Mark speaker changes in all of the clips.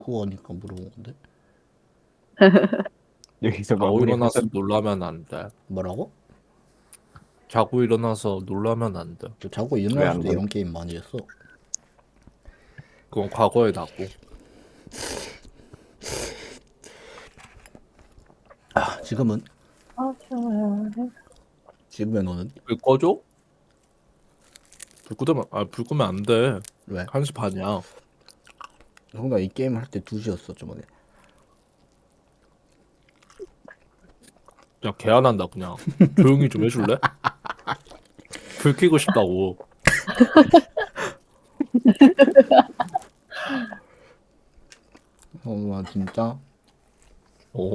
Speaker 1: 그거니까 물어본 건데.
Speaker 2: 여기서
Speaker 3: 자고
Speaker 2: 마무리
Speaker 3: 일어나서
Speaker 2: 하자.
Speaker 3: 놀라면 안 돼.
Speaker 1: 뭐라고?
Speaker 3: 자고 일어나서 놀라면 안 돼.
Speaker 1: 저 자고
Speaker 2: 왜
Speaker 1: 일어났을
Speaker 2: 안
Speaker 1: 때
Speaker 2: 그래?
Speaker 1: 이런 게임 많이 했어.
Speaker 3: 그건 과거에 나고.
Speaker 1: 아, 지금은? 지금의 너는?
Speaker 3: 불 꺼줘? 불 끄면 안 돼.
Speaker 1: 왜?
Speaker 3: 1시 반이야.
Speaker 1: 뭔가 이 게임 할 때 2시였어 저번에.
Speaker 3: 그냥 개안한다 그냥. 조용히 좀 해줄래? 불 켜고 싶다고.
Speaker 1: 와 진짜?
Speaker 3: 어.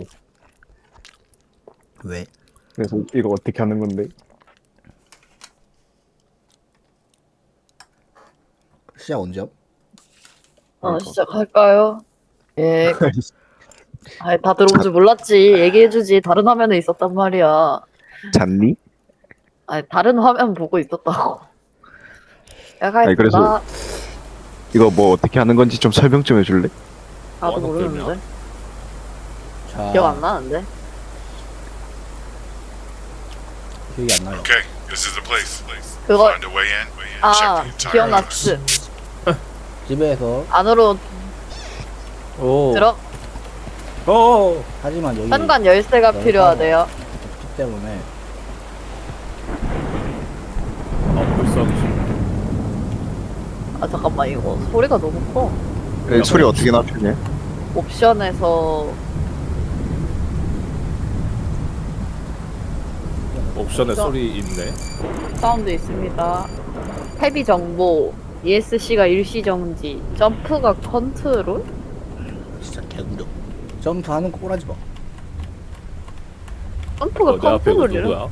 Speaker 1: 왜?
Speaker 2: 그래서 이거 어떻게 하는 건데?
Speaker 1: 시작 언제야?
Speaker 4: 시작할까요? 예. 아, 다들 온 줄 몰랐지. 얘기해주지. 다른 화면에 있었단 말이야.
Speaker 2: 잤니?
Speaker 4: 아, 다른 화면 보고 있었다고.
Speaker 2: 아니, 그래서-
Speaker 4: 나
Speaker 2: 이거 뭐 어떻게 하는 건지 좀 설명 좀 해줄래?
Speaker 4: 나도
Speaker 3: 뭐 하는
Speaker 4: 모르는데.
Speaker 1: 자,
Speaker 4: 기억 안 나는데.
Speaker 1: 기억이 안 나요.
Speaker 5: Okay, this is the place.
Speaker 4: 그거
Speaker 5: Find a way in.
Speaker 4: 아
Speaker 5: Check the entire
Speaker 4: 기억났지.
Speaker 1: 집에서
Speaker 4: 안으로
Speaker 3: 오.
Speaker 4: 들어.
Speaker 3: 어.
Speaker 1: 하지만 여기
Speaker 4: 현관 열쇠가
Speaker 1: 열쇠가
Speaker 4: 필요하대요.
Speaker 1: 없기 때문에
Speaker 3: 아 벌써 하기 싫어.
Speaker 4: 아 잠깐만 이거 소리가 너무 커.
Speaker 2: 소리 어떻게 낮추냐?
Speaker 4: 옵션에서
Speaker 3: 옵션에
Speaker 4: 없어.
Speaker 3: 소리 있네.
Speaker 4: 사운드 있습니다. 탭이 정보, ESC가 일시 정지, 점프가 컨트롤?
Speaker 1: 진짜 개구려. 점프하는 거 꼬라지 마.
Speaker 4: 점프가
Speaker 3: 내 앞에 이거
Speaker 4: 컨트롤이라?
Speaker 3: 누구야?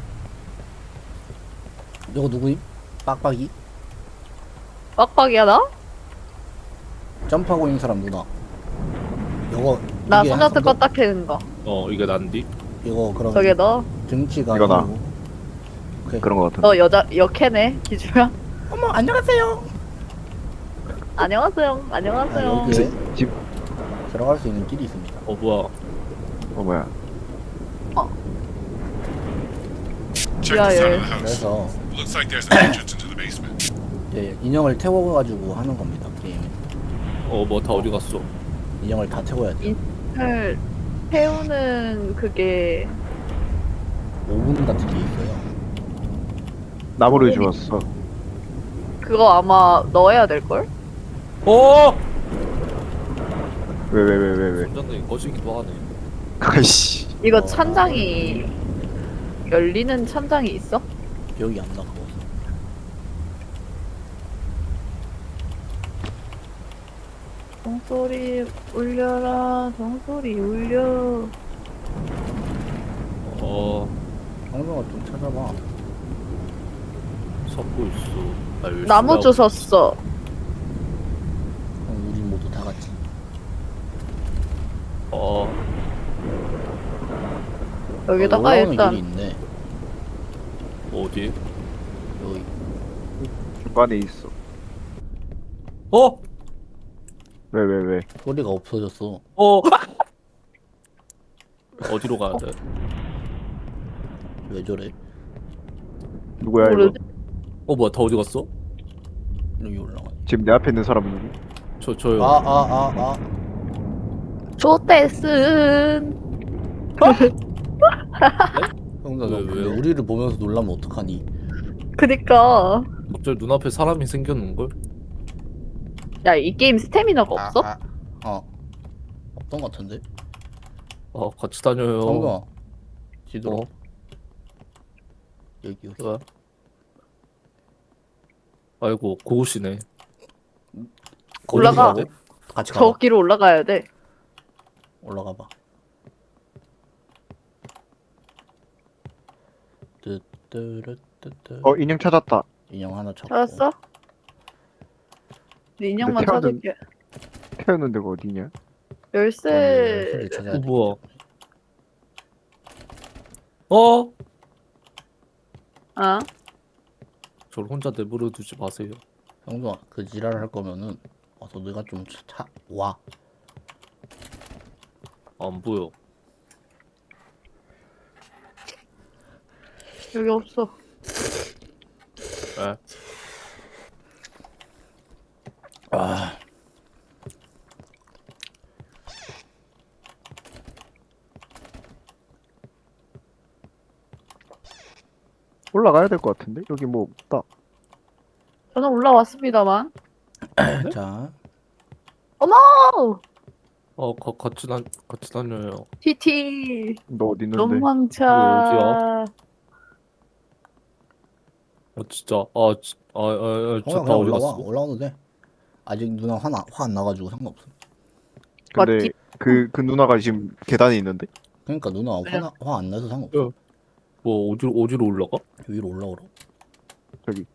Speaker 1: 이거 누구임? 빡빡이?
Speaker 4: 빡빡이야 나?
Speaker 1: 점프하고 있는 사람 누나. 이거
Speaker 4: 나
Speaker 1: 이게
Speaker 4: 손잡고
Speaker 1: 한성도?
Speaker 4: 껐다 켜는 거.
Speaker 3: 이게 난디?
Speaker 1: 이거 그럼
Speaker 4: 저게 너?
Speaker 1: 등치가
Speaker 2: 이거다.
Speaker 1: 아니고. 오케이.
Speaker 2: 그런 거 같은데.
Speaker 4: 너 여자 여캐네 기주야?
Speaker 1: 어머 안녕하세요.
Speaker 4: 안녕하세요.
Speaker 1: 아,
Speaker 4: 안녕하세요.
Speaker 1: 여기에
Speaker 2: 집,
Speaker 1: 들어갈 수 있는 길이 있습니다.
Speaker 3: 뭐야?
Speaker 2: 뭐야.
Speaker 5: Check the side of the house.
Speaker 1: 그래서
Speaker 5: Looks like there's an entrance into the basement.
Speaker 1: 이제 인형을 태워가지고 하는 겁니다. 게임.
Speaker 3: 뭐 다 어디 갔어?
Speaker 1: 인형을 다 태워야 돼.
Speaker 4: 인을 태우는 그게
Speaker 1: 5분 같은 게 있어요.
Speaker 2: 나무를 주웠어.
Speaker 4: 그거 아마 넣어야 될 걸?
Speaker 3: 어!
Speaker 2: 왜.
Speaker 3: 선장님 거시기도 하네.
Speaker 2: 아이씨.
Speaker 4: 이거 천장이 열리는 천장이 있어?
Speaker 1: 기억이 안 나. 그거.
Speaker 4: 종소리 울려라. 종소리 울려.
Speaker 1: 방송을 좀 찾아봐.
Speaker 3: 섞고 있어. 나 열심히
Speaker 4: 나무
Speaker 3: 하고
Speaker 4: 주웠어.
Speaker 1: 그럼 우리 모두 다 같이.
Speaker 4: 여기다가
Speaker 1: 올라오는
Speaker 4: 일단
Speaker 1: 길이 있네.
Speaker 3: 어디?
Speaker 1: 여기.
Speaker 2: 중간에 있어.
Speaker 3: 어?
Speaker 2: 왜.
Speaker 1: 소리가 없어졌어.
Speaker 3: 어디로 가야 돼?
Speaker 1: 왜 저래?
Speaker 2: 누구야, 이거?
Speaker 4: 모르지?
Speaker 3: 뭐야 다 어디 갔어?
Speaker 1: 여기 올라가.
Speaker 2: 지금 내 앞에 있는 사람은 누구?
Speaker 3: 저요.
Speaker 1: 아.
Speaker 4: 조떼슨.
Speaker 1: 형사,
Speaker 3: 왜,
Speaker 1: 근데
Speaker 3: 왜요?
Speaker 1: 우리를 보면서 놀라면 어떡하니?
Speaker 4: 그니까
Speaker 3: 갑자기 눈앞에 사람이 생겼는걸?
Speaker 4: 야 이 게임 스태미나가 없어?
Speaker 1: 없던 것 같은데?
Speaker 3: 같이 다녀요.
Speaker 1: 형사, 뒤돌아.
Speaker 3: 어?
Speaker 1: 여기.
Speaker 3: 왜? 아이고 고우시네.
Speaker 4: 올라가.
Speaker 3: 어디로 가야 돼?
Speaker 1: 같이
Speaker 4: 저
Speaker 1: 가봐.
Speaker 4: 길로 올라가야 돼.
Speaker 1: 올라가봐. 뜨뜨르뜨뜨.
Speaker 2: 인형 찾았다.
Speaker 1: 인형 하나 찾고.
Speaker 4: 찾았어? 네 인형만
Speaker 2: 근데 태어난-
Speaker 4: 찾을게.
Speaker 2: 태우는 데가 어디냐?
Speaker 4: 열쇠.
Speaker 1: 열쇠를 찾아야 돼.
Speaker 3: 뭐야?
Speaker 4: 아
Speaker 3: 저를 혼자 내버려 두지 마세요.
Speaker 1: 형도 그 지랄 할 거면은 와서 네가 좀 와.
Speaker 3: 안 보여.
Speaker 4: 여기 없어.
Speaker 3: 에?
Speaker 1: 아,
Speaker 2: 올라가야 될 것 같은데? 여기 뭐 없다.
Speaker 4: 저는 올라왔습니다만.
Speaker 1: 자,
Speaker 4: 어머!
Speaker 3: 같이 다녀요.
Speaker 4: TT.
Speaker 2: 너 어디 있는데?
Speaker 4: 로망차.
Speaker 3: 어디야? 진짜.
Speaker 1: 그냥
Speaker 3: 다 어디
Speaker 1: 올라와.
Speaker 3: 갔어?
Speaker 1: 올라와도 돼. 아직 누나 화 안 나가지고 상관없어.
Speaker 2: 근데
Speaker 4: 맞지?
Speaker 2: 그 누나가 지금 계단에 있는데?
Speaker 1: 그러니까 누나 화 안 나서 상관없어.
Speaker 3: 야. 뭐 어디로 올라가?
Speaker 1: 위로 올라오라.
Speaker 2: 저기.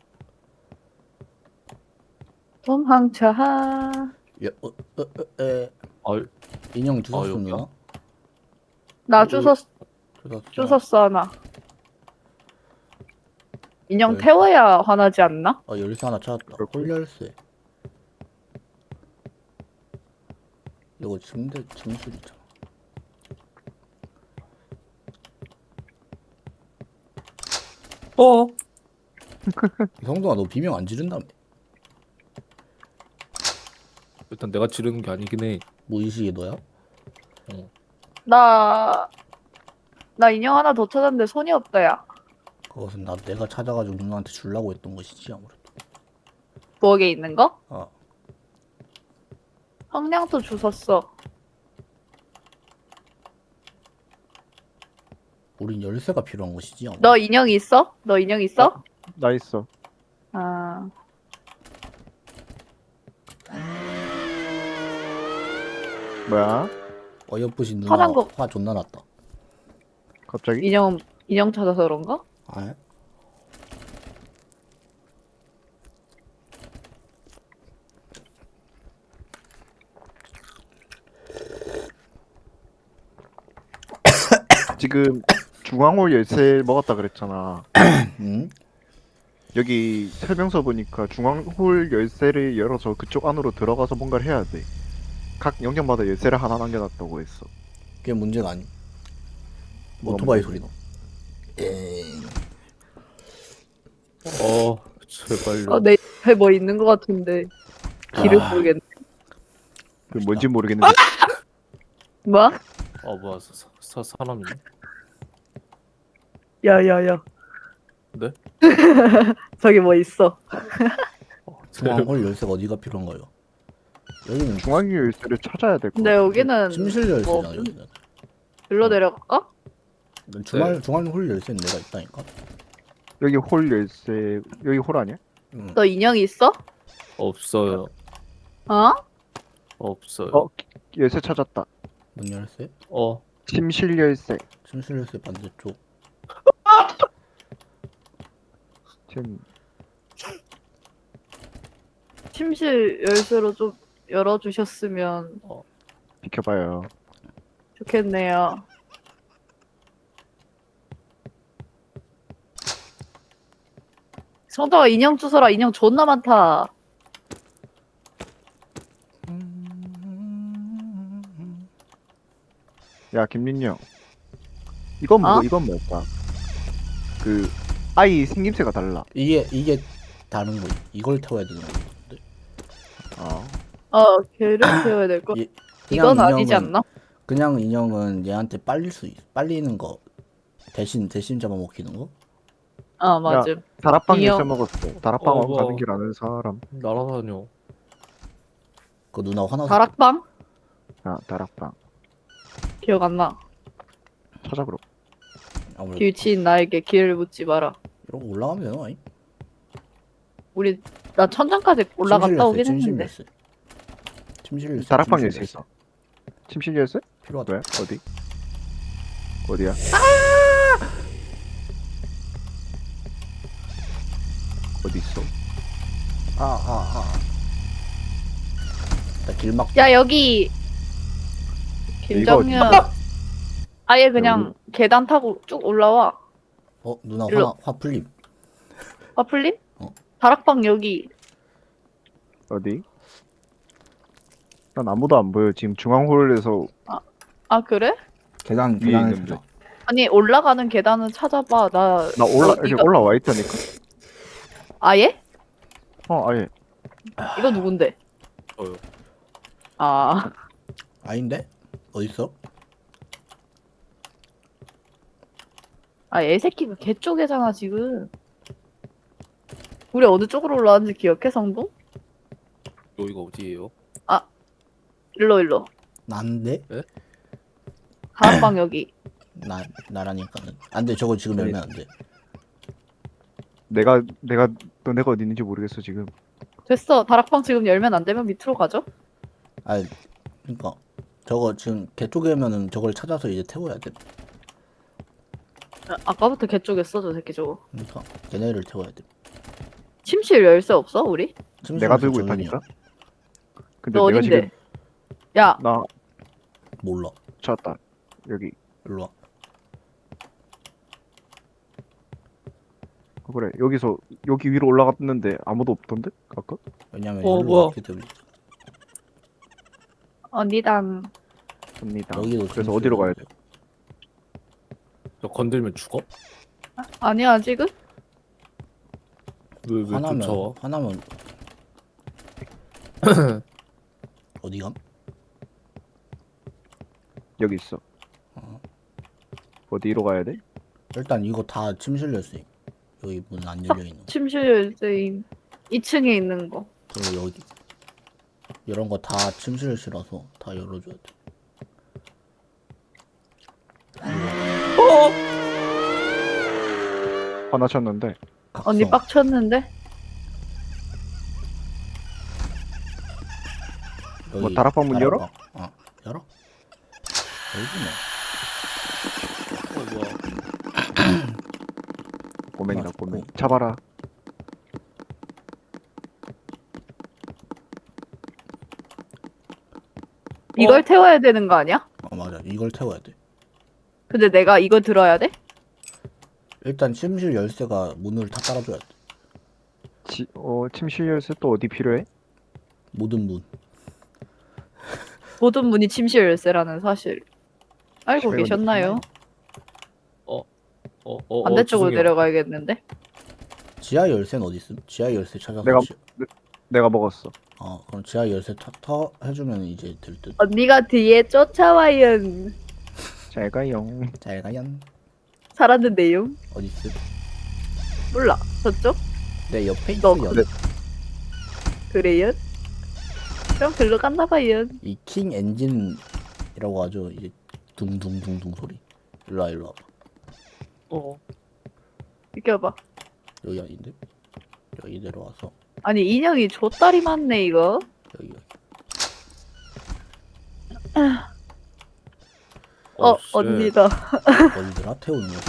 Speaker 4: 도망차.
Speaker 1: 야,
Speaker 3: 아,
Speaker 1: 인형 주웠어
Speaker 3: 여기야?
Speaker 1: 누나?
Speaker 4: 나 주웠어.
Speaker 1: 주웠어.
Speaker 4: 주웠어 하나. 인형
Speaker 1: 네.
Speaker 4: 태워야 화나지 않나?
Speaker 1: 열쇠 하나 찾았다. 홀 열쇠. 이거 짐술이잖아. 성동아 너 비명 안 지른다며?
Speaker 3: 일단 내가 지르는 게 아니긴 해.
Speaker 1: 무의식이 너야?
Speaker 4: 나 인형 하나 더 찾았는데 손이 없다, 야.
Speaker 1: 그것은 내가 찾아가지고 누나한테 주려고 했던 것이지 아무래도.
Speaker 4: 부엌에 있는 거?
Speaker 1: 아,
Speaker 4: 성냥도 주웠어.
Speaker 1: 우린 열쇠가 필요한 것이지 아무래도.
Speaker 4: 너 인형 있어? 너 인형 있어?
Speaker 2: 나 있어.
Speaker 4: 아,
Speaker 2: 뭐야?
Speaker 1: 어여쁘신 누나
Speaker 4: 파란 거.
Speaker 1: 화 존나 났다.
Speaker 2: 갑자기?
Speaker 4: 인형 찾아서 그런가?
Speaker 1: 아,
Speaker 2: 지금 중앙홀 열쇠 먹었다 그랬잖아.
Speaker 1: 응?
Speaker 2: 여기 설명서 보니까 중앙홀 열쇠를 열어서 그쪽 안으로 들어가서 뭔가를 해야 돼. 각 영역마다 열쇠를 하나 남겨놨다고 했어.
Speaker 1: 그게 문제가 아니.
Speaker 2: 뭐가
Speaker 1: 오토바이
Speaker 2: 문제지?
Speaker 1: 소리 나. 에잉.
Speaker 3: 제발요.
Speaker 4: 내 옆에 뭐 있는 것 같은데 길을
Speaker 1: 아.
Speaker 4: 모르겠네.
Speaker 2: 그 뭔지 모르겠는데
Speaker 4: 뭐?
Speaker 3: 뭐야, 사람이네.
Speaker 4: 야야야.
Speaker 3: 네?
Speaker 4: 저기 뭐 있어.
Speaker 1: 중앙홀 열쇠가 어디가 필요한가요? 여기는
Speaker 2: 중앙 열쇠를 찾아야 될 것
Speaker 4: 근데
Speaker 2: 같아.
Speaker 4: 여기는
Speaker 1: 침실 열쇠잖아
Speaker 4: 뭐
Speaker 1: 여기는.
Speaker 4: 일로 내려갈까?
Speaker 1: 중앙홀 열쇠는 내가 있다니까.
Speaker 2: 여기 홀 열쇠 여기 홀 아니야?
Speaker 4: 너 인형 있어?
Speaker 3: 없어요.
Speaker 4: 어?
Speaker 3: 없어요.
Speaker 2: 열쇠 찾았다.
Speaker 1: 문 열쇠?
Speaker 2: 침실 열쇠.
Speaker 1: 침실 열쇠 반대쪽.
Speaker 2: 지금
Speaker 4: 침실 열쇠로 좀 열어주셨으면
Speaker 2: 비켜봐요.
Speaker 4: 좋겠네요. 성덕아 인형 주워라. 인형 존나 많다.
Speaker 2: 야 김민영. 이건 뭐
Speaker 4: 어?
Speaker 2: 이건 뭘까? 그 아이 생김새가 달라.
Speaker 1: 이게 다른 거. 이걸 태워야 되는 거 같은데.
Speaker 4: 걔를 태워야 될 거.
Speaker 1: 이-
Speaker 4: 이건
Speaker 1: 그냥
Speaker 4: 아니지
Speaker 1: 인형은-
Speaker 4: 않나?
Speaker 1: 그냥 인형은 얘한테 빨리는 거 대신 잡아먹히는 거?
Speaker 4: 맞음.
Speaker 2: 다락방
Speaker 4: 인형-
Speaker 2: 열쇠 먹었어. 다락방
Speaker 3: 뭐야.
Speaker 2: 가는 길 아는 사람.
Speaker 3: 날아다녀.
Speaker 1: 그 누나 화나서
Speaker 4: 다락방?
Speaker 2: 아 다락방
Speaker 4: 기억 안 나.
Speaker 2: 찾아 그럼.
Speaker 1: 아무래도
Speaker 4: 뒤치인 나에게 길을 묻지 마라.
Speaker 1: 이러고 올라가면 되나? 아니?
Speaker 4: 나 천장까지 올라갔다 오긴 했는데.
Speaker 1: 침실 열쇠.
Speaker 2: 다락방
Speaker 1: 침실
Speaker 2: 열쇠 있어. 침실 열쇠?
Speaker 1: 필요하다.
Speaker 2: 왜? 어디? 어디야? 어디 있어?
Speaker 1: 나 길막
Speaker 4: 야 여기 김정현 아예 그냥 계단 타고 쭉 올라와.
Speaker 1: 누나
Speaker 4: 일로.
Speaker 1: 화 풀림.
Speaker 4: 풀림?
Speaker 1: 어.
Speaker 4: 다락방 여기.
Speaker 2: 어디? 난 아무도 안 보여. 지금 중앙홀에서
Speaker 4: 아 그래?
Speaker 1: 계단을
Speaker 2: 있는데.
Speaker 1: 찾아.
Speaker 4: 아니 올라가는 계단은 찾아봐. 나
Speaker 2: 이렇게
Speaker 4: 이거
Speaker 2: 올라와 있다니까.
Speaker 4: 아예?
Speaker 2: 아예.
Speaker 4: 이거 누군데?
Speaker 3: 저요.
Speaker 4: 아
Speaker 1: 아닌데? 어딨어?
Speaker 4: 애새끼가 개 쪽에잖아 지금. 우리 어느 쪽으로 올라왔는지 기억해 성동?
Speaker 3: 여기가 어디예요?
Speaker 4: 일로.
Speaker 1: 난데?
Speaker 4: 다락방 여기.
Speaker 1: 나라니까는. 안 돼, 저거 지금 열면 안 돼.
Speaker 2: 내가 너네가 어디 있는지 모르겠어 지금.
Speaker 4: 됐어. 다락방 지금 열면 안 되면 밑으로 가죠?
Speaker 1: 아, 그니까. 저거 지금 개 쪽이면은 저걸 찾아서 이제 태워야 돼.
Speaker 4: 아까부터 개 쪽했어 저 새끼 저거.
Speaker 1: 그니까. 걔네를 태워야 돼.
Speaker 4: 침실 열쇠 없어 우리?
Speaker 2: 내가 들고
Speaker 1: 정윤이야.
Speaker 2: 있다니까. 근데
Speaker 4: 너
Speaker 2: 내가
Speaker 4: 어딘데?
Speaker 2: 지금
Speaker 4: 야
Speaker 2: 나
Speaker 1: 몰라.
Speaker 2: 찾았다. 여기.
Speaker 1: 일로 와.
Speaker 2: 그래. 여기 위로 올라갔는데 아무도 없던데? 아까?
Speaker 1: 왜냐면
Speaker 3: 어,
Speaker 1: 일로
Speaker 3: 뭐야.
Speaker 1: 왔기 때문에.
Speaker 4: 언니당.
Speaker 2: 접니다.
Speaker 1: 여기도
Speaker 2: 그래서
Speaker 1: 침실.
Speaker 2: 어디로 가야 돼?
Speaker 3: 저 건들면 죽어?
Speaker 4: 아니야 지금?
Speaker 3: 왜
Speaker 1: 화나면
Speaker 3: 쫓아와?
Speaker 1: 화나면 어디 감?
Speaker 2: 여기 있어.
Speaker 1: 어.
Speaker 2: 어디로 가야 돼?
Speaker 1: 일단 이거 다 침실 열쇠. 여기 문 안 열려 있는 거.
Speaker 4: 침실 열쇠인 2층에 있는 거.
Speaker 1: 그리고 여기 이런 거 다 침실실라서 다 열어줘야 돼.
Speaker 2: 화나셨는데.
Speaker 4: 언니 빡쳤는데?
Speaker 2: 뭐 다락방 문 열어?
Speaker 1: 어, 열어? 열지 뭐.
Speaker 3: 뭐야?
Speaker 2: 꼬맹이다
Speaker 1: 맞고.
Speaker 2: 꼬맹이. 잡아라.
Speaker 4: 이걸 태워야 되는 거 아니야?
Speaker 1: 맞아. 이걸 태워야 돼.
Speaker 4: 근데 내가 이거 들어야 돼?
Speaker 1: 일단 침실 열쇠가 문을 다 깔아줘야 돼.
Speaker 2: 침실 열쇠 또 어디 필요해?
Speaker 1: 모든 문.
Speaker 4: 모든 문이 침실 열쇠라는 사실 알고
Speaker 2: 시간이
Speaker 4: 계셨나요? 반대쪽으로
Speaker 3: 죄송해요.
Speaker 4: 내려가야겠는데?
Speaker 1: 지하 열쇠는 어디 있음? 지하 열쇠 찾아서.
Speaker 2: 내가 먹었어.
Speaker 1: 그럼 지하 열쇠 터 해주면 이제 될 듯.
Speaker 4: 언니가 뒤에 쫓아와요.
Speaker 2: 잘 가요.
Speaker 1: 잘 가연.
Speaker 4: 살았는데요?
Speaker 1: 어디 있음?
Speaker 4: 몰라. 저쪽?
Speaker 1: 내 옆에
Speaker 4: 너
Speaker 1: 있어.
Speaker 2: 그래.
Speaker 4: 그래요? 그럼 글로 갔나 봐요.
Speaker 1: 이 킹 엔진이라고 하죠. 이제 둥둥둥둥 소리. 일로 와 일로 와봐.
Speaker 4: 비켜봐.
Speaker 1: 여기 아닌데? 여기 내려와서
Speaker 4: 아니 인형이 좆다리 많네 이거.
Speaker 1: 여기.
Speaker 3: 쉣.
Speaker 4: 언니다.
Speaker 1: 어디더라? 태우는 거지.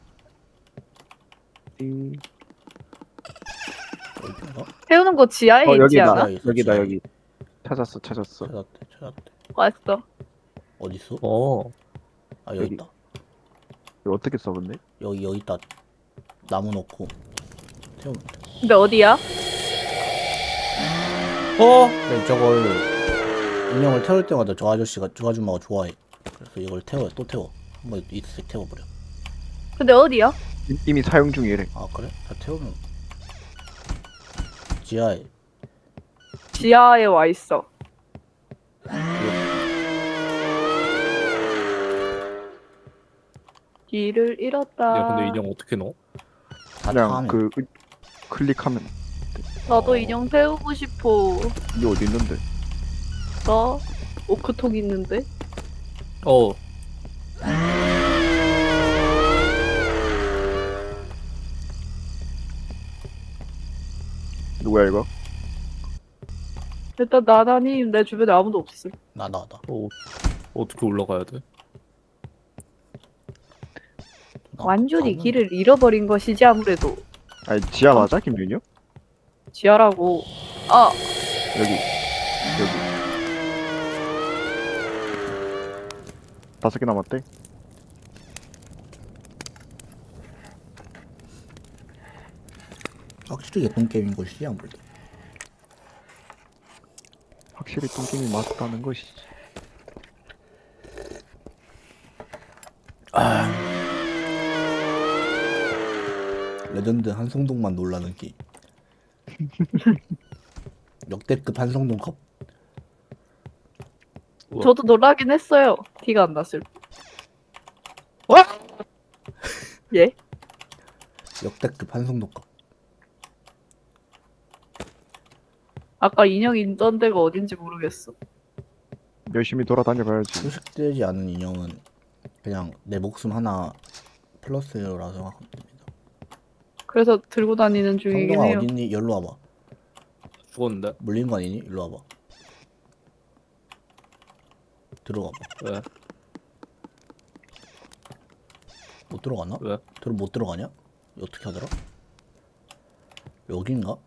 Speaker 1: 어디인가?
Speaker 4: 태우는 거 지하에 있지
Speaker 2: 여기다.
Speaker 4: 않아?
Speaker 1: 있어,
Speaker 2: 여기다
Speaker 1: 지하에.
Speaker 2: 여기. 찾았어.
Speaker 1: 찾았대.
Speaker 4: 왔어.
Speaker 1: 어디 있어? 아 여기
Speaker 2: 여기.
Speaker 1: 있다.
Speaker 2: 이거 어떻게 써 근데?
Speaker 1: 여기 있다. 나무 넣고 태우면 돼.
Speaker 4: 근데 어디야?
Speaker 1: 근데 저걸 인형을 태울 때마다 저 아줌마가 좋아해. 그래서 이걸 또 태워. 한번 이틀씩 태워버려.
Speaker 4: 근데 어디야?
Speaker 2: 이미 사용 중이래.
Speaker 1: 아 그래? 다 태우면 지하에.
Speaker 4: 지하에 와 있어. 길을 잃었다.
Speaker 3: 야 근데 인형 어떻게 넣어?
Speaker 1: 다
Speaker 2: 그냥
Speaker 1: 타면.
Speaker 2: 클릭하면.
Speaker 4: 나도 인형 태우고 싶어.
Speaker 2: 이게 어디 있는데?
Speaker 4: 나 오크통 있는데.
Speaker 2: 누구야 이거?
Speaker 4: 일단 나나님 내 주변에 아무도 없어.
Speaker 1: 나.
Speaker 3: 어떻게 올라가야 돼?
Speaker 4: 완전히
Speaker 1: 가면-
Speaker 4: 길을 잃어버린 것이지 아무래도.
Speaker 2: 아니 지하 맞아 김준이요?
Speaker 4: 지하라고. 아
Speaker 2: 여기. 5개 남았대.
Speaker 1: 확실히 예쁜 게임인 것이지 아무래도.
Speaker 2: 확실히 똥김이 맞다는 것이지.
Speaker 1: 레전드 한성동만 놀라는 게임. 역대급 한성동 컵.
Speaker 3: 우와.
Speaker 4: 저도 놀라긴 했어요. 티가 안 났을 때. 예?
Speaker 1: 역대급 한성동 컵.
Speaker 4: 아까 인형 있던 데가 어딘지 모르겠어.
Speaker 2: 열심히 돌아다녀봐야지.
Speaker 1: 수식되지 않은 인형은 그냥 내 목숨 하나 플러스라고 생각하면 됩니다.
Speaker 4: 그래서 들고 다니는 중이긴
Speaker 1: 성동아
Speaker 4: 해요.
Speaker 1: 어딨니? 여기로 와봐.
Speaker 3: 죽었는데?
Speaker 1: 물린 거 아니니? 일로 와봐. 들어가봐.
Speaker 3: 왜?
Speaker 1: 못 들어가나?
Speaker 3: 왜?
Speaker 1: 못 들어가냐? 어떻게 하더라? 여긴가?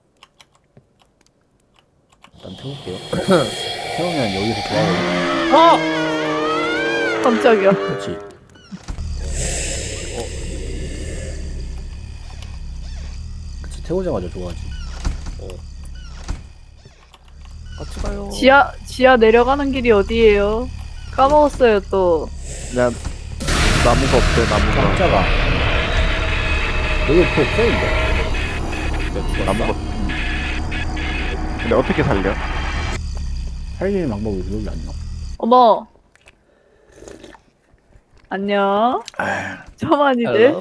Speaker 1: 일단 태울게요. 태우면 여기서 돌아오고.
Speaker 3: 아!
Speaker 4: 깜짝이야.
Speaker 1: 그렇지. 그치, 태우자마자 좋아하지.
Speaker 3: 같이 가요.
Speaker 4: 지하 내려가는 길이 어디예요? 까먹었어요 또.
Speaker 2: 그냥 나무가 없대 나무가.
Speaker 1: 깜짝아. 여기 그 없어인데.
Speaker 2: 나무가. 근데 어떻게 살려?
Speaker 1: 살리는 방법이 기억이 안 나.
Speaker 4: 어머. 안녕. 저만이들.
Speaker 3: 헬로?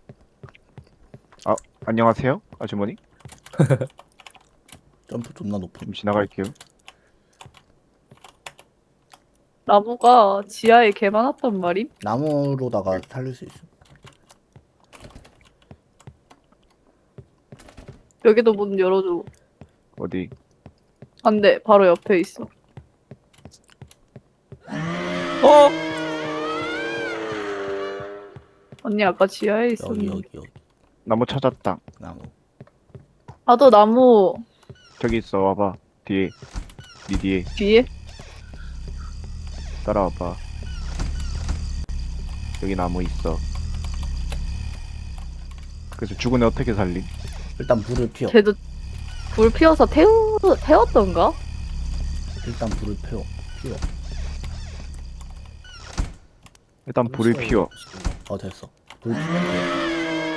Speaker 2: 안녕하세요 아주머니.
Speaker 1: 점프 존나 높음.
Speaker 2: 좀 지나갈게요.
Speaker 4: 나무가 지하에 개 많았단 말임?
Speaker 1: 나무로다가 살릴 수 있어.
Speaker 4: 여기도 문 열어줘.
Speaker 2: 어디?
Speaker 4: 안 돼. 바로 옆에 있어.
Speaker 3: 어!
Speaker 4: 언니 아까 지하에
Speaker 1: 여기
Speaker 4: 있었는데.
Speaker 1: 여기
Speaker 2: 나무 찾았다.
Speaker 1: 나무.
Speaker 4: 나도 나무
Speaker 2: 저기 있어 와봐. 뒤에. 니 뒤에
Speaker 4: 뒤에?
Speaker 2: 따라와봐. 여기 나무 있어. 그래서 죽은 애 어떻게 살림?
Speaker 1: 일단 불을 피워.
Speaker 4: 걔도 불 피워서 태웠던가?
Speaker 1: 일단 불을 피워.
Speaker 2: 일단 불을 피워.
Speaker 1: 됐어. 불 피면 돼.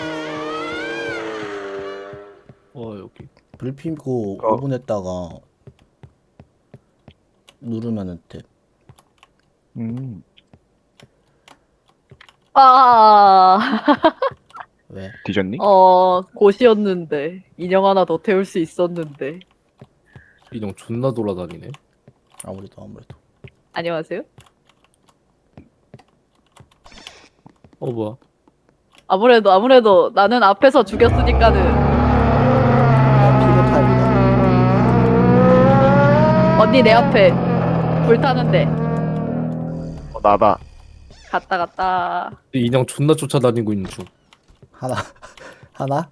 Speaker 3: 여기.
Speaker 1: 불 피고
Speaker 2: 어.
Speaker 1: 5분 했다가 누르면은 돼.
Speaker 4: 아,
Speaker 1: 왜?
Speaker 2: 뒤졌니?
Speaker 4: 곳이었는데. 인형 하나 더 태울 수 있었는데.
Speaker 3: 인형 존나 돌아다니네.
Speaker 1: 아무래도.
Speaker 4: 안녕하세요?
Speaker 3: 뭐야?
Speaker 4: 아무래도 나는 앞에서 죽였으니까는.
Speaker 1: 피로 타입이다.
Speaker 4: 언니 내 앞에 불 타는데.
Speaker 2: 나다.
Speaker 4: 갔다.
Speaker 3: 이 인형 존나 쫓아다니고 있는 중.
Speaker 1: 하나?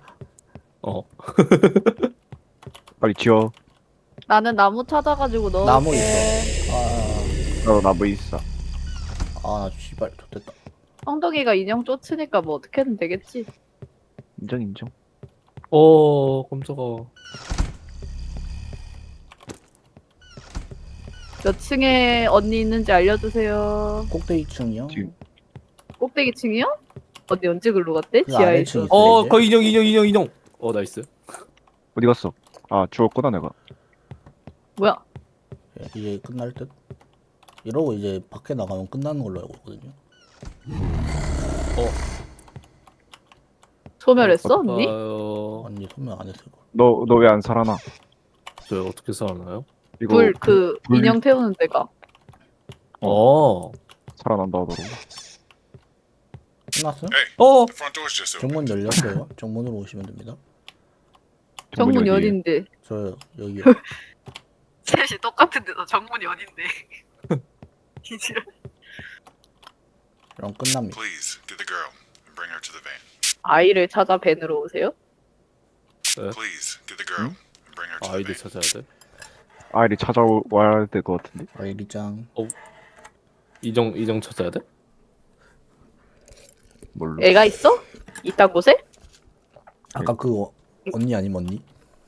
Speaker 2: 빨리 지워.
Speaker 4: 나는 나무 찾아가지고 넣을게.
Speaker 1: 나무 있어.
Speaker 2: 나도 나무 있어.
Speaker 1: 나 씨발 좋됐다.
Speaker 4: 엉덩이가 인형 쫓으니까 뭐 어떻게든 되겠지.
Speaker 2: 인정.
Speaker 3: 깜짝아.
Speaker 4: 몇 층에 언니 있는지 알려주세요.
Speaker 1: 꼭대기 층이요?
Speaker 2: 지금.
Speaker 4: 꼭대기 층이요? 언니 언제 글로 갔대?
Speaker 1: 그
Speaker 4: 지하에
Speaker 1: 아래층
Speaker 4: 있어.
Speaker 1: 있어. 이제.
Speaker 3: 그 인형. 나이스.
Speaker 2: 어디 갔어? 아 죽었구나 내가.
Speaker 4: 뭐야?
Speaker 1: 이제 끝날 듯? 이러고 이제 밖에 나가면 끝나는 걸로 알고 있거든요.
Speaker 4: 소멸했어 언니?
Speaker 1: 언니 소멸 안 했을 거.
Speaker 2: 너 왜 안 살아나?
Speaker 3: 저 어떻게 살아나요?
Speaker 2: 이거
Speaker 4: 불
Speaker 2: 불-
Speaker 4: 인형 태우는 데가.
Speaker 2: 살아난다 하더라고.
Speaker 1: 끝났어요?
Speaker 5: Hey,
Speaker 3: 어!
Speaker 5: the front door's just open.
Speaker 1: 정문 열렸어요. 정문으로 오시면 됩니다.
Speaker 4: 정문이
Speaker 2: 어디에?
Speaker 4: 어딘데?
Speaker 1: 저 여기요.
Speaker 4: 셋이 똑같은데도 정문이 어딘데? 기지를.
Speaker 1: 그럼 끝납니다.
Speaker 5: Please get the girl and bring her to the van.
Speaker 4: 아이를 찾아 밴으로 오세요?
Speaker 5: Please get the girl and bring her to the
Speaker 3: 아이들
Speaker 5: van.
Speaker 3: 찾아야 돼.
Speaker 2: 아이리 찾아와야 될 것 같은데.
Speaker 1: 아이리짱.
Speaker 3: 인형 찾아야 돼?
Speaker 2: 뭘로?
Speaker 4: 애가 있어? 이딴 곳에?
Speaker 1: 아까 그 언니 아님 언니?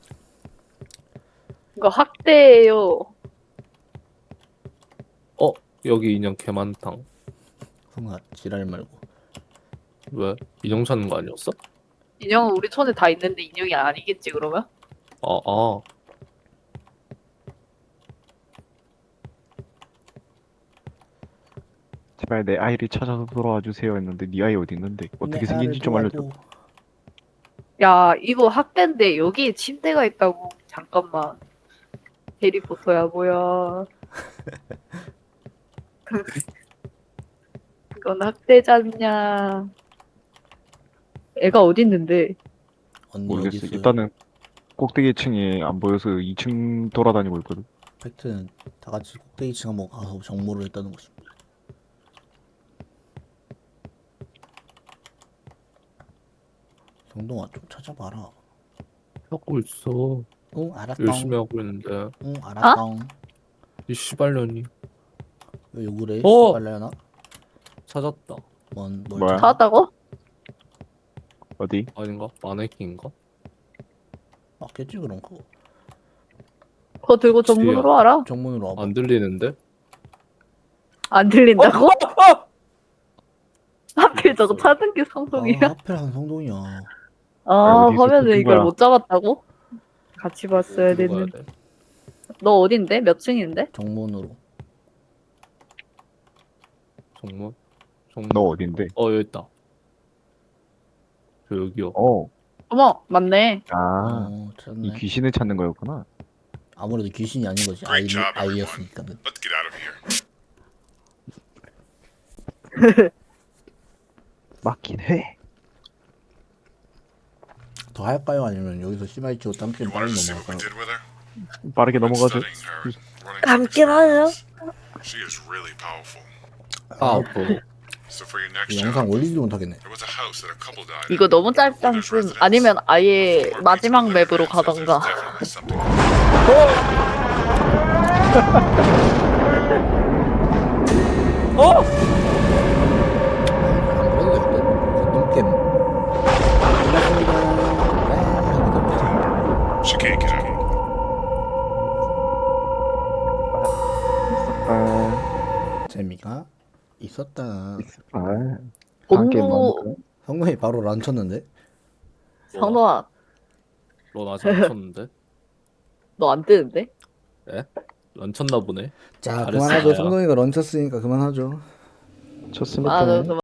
Speaker 4: 이거 학대예요.
Speaker 3: 여기 인형 개 많당.
Speaker 1: 성아 지랄 말고.
Speaker 3: 왜? 인형 찾는 거 아니었어?
Speaker 4: 인형은 우리 촌에 다 있는데 인형이 아니겠지 그러면?
Speaker 3: 아.
Speaker 2: 제발 내 아이를 찾아서 돌아와 주세요 했는데 네 아이 어디 있는데 어떻게 생긴지 좀 알려줘.
Speaker 4: 야 이거 학대인데 여기 침대가 있다고. 잠깐만. 해리포터야 뭐야. 이건 학대잖냐. 애가 어디 있는데?
Speaker 1: 언니 어디
Speaker 2: 모르겠어.
Speaker 1: 있어요?
Speaker 2: 일단은 꼭대기 층에 안 보여서 2층 돌아다니고 있거든.
Speaker 1: 팩트는 다 같이 꼭대기층 한번 가서 정모를 했다는 것입니다. 정동아 좀 찾아봐라.
Speaker 3: 하고 있어.
Speaker 1: 응 알았다.
Speaker 3: 열심히 하고 있는데.
Speaker 1: 응 알았다.
Speaker 3: 이 씨발년이.
Speaker 1: 왜 욕을 해?
Speaker 3: 어!
Speaker 1: 빨라야나?
Speaker 3: 찾았다.
Speaker 1: 뭘
Speaker 2: 뭐야?
Speaker 1: 찾아?
Speaker 4: 찾았다고?
Speaker 2: 어디?
Speaker 3: 아닌가? 마네킹인가?
Speaker 1: 맞겠지 그럼 그거.
Speaker 4: 그거 들고 정문으로 와라.
Speaker 1: 정문으로 와봐.
Speaker 3: 안 들리는데?
Speaker 4: 안 들린다고? 하필 저거 찾은 게
Speaker 1: 아
Speaker 4: 성동이야?
Speaker 1: 하필 한 성동이야.
Speaker 4: 아,
Speaker 2: 어디서
Speaker 4: 화면에
Speaker 2: 찍은
Speaker 4: 이걸
Speaker 2: 거야?
Speaker 4: 못 잡았다고? 같이 봤어야
Speaker 3: 들고 가야
Speaker 4: 됐는데.
Speaker 3: 돼.
Speaker 4: 너 어딘데? 몇 층인데?
Speaker 1: 정문으로.
Speaker 3: 정문? 정문.
Speaker 2: 너 어딘데?
Speaker 3: 여기 있다. 저 여기요.
Speaker 2: 어.
Speaker 4: 어머, 맞네.
Speaker 2: 아,
Speaker 1: 어
Speaker 2: 이
Speaker 1: 찾네.
Speaker 2: 귀신을 찾는 거였구나.
Speaker 1: 아무래도 귀신이 아닌 거지.
Speaker 5: Great job, everyone.
Speaker 1: 아이였으니까는.
Speaker 5: Let's get out of here.
Speaker 2: 맞긴 해.
Speaker 1: 더 할까요? 아니면 여기서 심하게 치고 딴 게임
Speaker 5: You
Speaker 1: 빨리
Speaker 5: wanted to see what we
Speaker 1: 넘어갈까요?
Speaker 5: did with her?
Speaker 2: 빠르게
Speaker 5: Been
Speaker 2: 넘어가죠.
Speaker 5: studying her, running
Speaker 4: 함께 봐요.
Speaker 5: She is really powerful.
Speaker 3: 뭐.
Speaker 5: So for your next
Speaker 1: 이
Speaker 5: job,
Speaker 1: 영상 올리지도 못하겠네.
Speaker 5: there was a house that a couple died
Speaker 4: 이거
Speaker 5: in.
Speaker 4: 너무 짧다.
Speaker 5: There's residents.
Speaker 4: 아니면 아예
Speaker 5: Mark
Speaker 4: 마지막
Speaker 5: Beach
Speaker 4: 맵으로
Speaker 5: Litter says
Speaker 4: 가던가.
Speaker 5: there's definitely something.
Speaker 1: 안 그래도 되거든. 똥겜. 끝났습니다.
Speaker 5: She can't get out.
Speaker 2: 아,
Speaker 1: 재미가 있었다.
Speaker 2: 아, 한 게임
Speaker 4: 본부
Speaker 2: 많으니까.
Speaker 1: 성동이 바로 란 쳤는데?
Speaker 4: 성동아,
Speaker 3: 넌 아직 안 쳤는데?
Speaker 4: 너 안 뜨는데?
Speaker 3: 안 쳤나 보네.
Speaker 1: 자
Speaker 3: 잘했어,
Speaker 1: 그만하죠.
Speaker 3: 나야.
Speaker 1: 성동이가 런 쳤으니까 그만하죠.
Speaker 2: 좋습니다.
Speaker 4: 아, 너